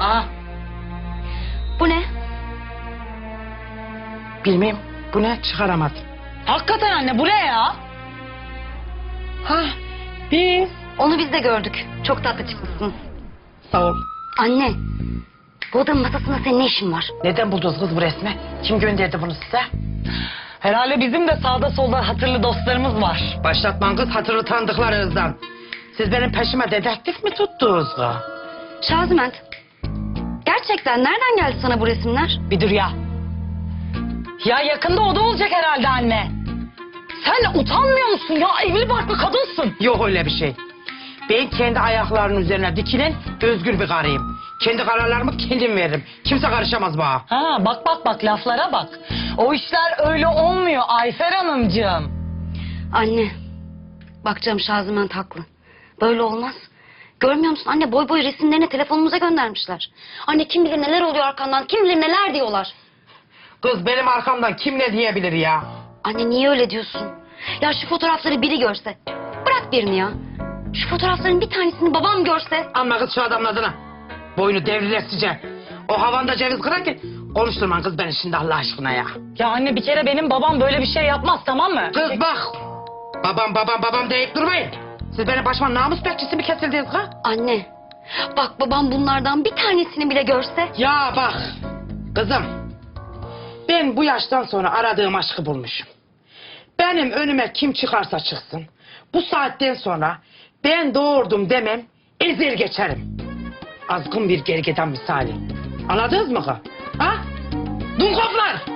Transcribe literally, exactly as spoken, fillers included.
Ha? Bu ne? Bilmem. Bu ne? Çıkaramadım. Hakikaten anne bu ne ya? Ha, biz. Onu biz de gördük. Çok tatlı çıkmışsın. Sağ ol. Anne, bu odanın masasında senin ne işin var? Neden buldunuz kız bu resmi? Kim gönderdi bunu size? Herhalde bizim de sağda solda hatırlı dostlarımız var. Başlatman kız hatırlı tanıdıklarınızdan. Siz benim peşime dedektif mi tuttunuz kız? Şaziment, gerçekten nereden geldi sana bu resimler? Bir dur ya. Ya yakında o da olacak herhalde anne. Sen utanmıyor musun ya? Evli barklı kadınsın. Yok öyle bir şey. Ben kendi ayaklarının üzerine dikilen özgür bir karıyım. Kendi kararlarımı kendim veririm. Kimse karışamaz bana. Ha bak bak bak laflara bak. O işler öyle olmuyor Ayfer Hanımcığım. Anne, bak canım Şaziment haklı. Böyle olmaz. Görmüyor musun anne, boy boy resimlerini telefonumuza göndermişler. Anne kim bilir neler oluyor arkandan, kim bilir neler diyorlar. Kız benim arkamdan kim ne diyebilir ya? Anne niye öyle diyorsun? Ya şu fotoğrafları biri görse. Bırak birini ya. Şu fotoğrafların bir tanesini babam görse. Anma kız şu adamın adına. Boynu devrilesice. O havanda ceviz kırarken konuşturman kız beni şimdi Allah aşkına ya. Ya anne bir kere benim babam böyle bir şey yapmaz tamam mı? Kız bak. Babam babam babam deyip durmayın. Siz benim başıma namus bekçisi mi kesildiniz ha? Anne, bak babam bunlardan bir tanesini bile görse. Ya bak. Kızım. Ben bu yaştan sonra aradığım aşkı bulmuşum. Benim önüme kim çıkarsa çıksın. Bu saatten sonra ben doğurdum demem ezer geçerim. Azgın bir gergedan misali. Anladınız mı kız? Ha? Dumkoplar!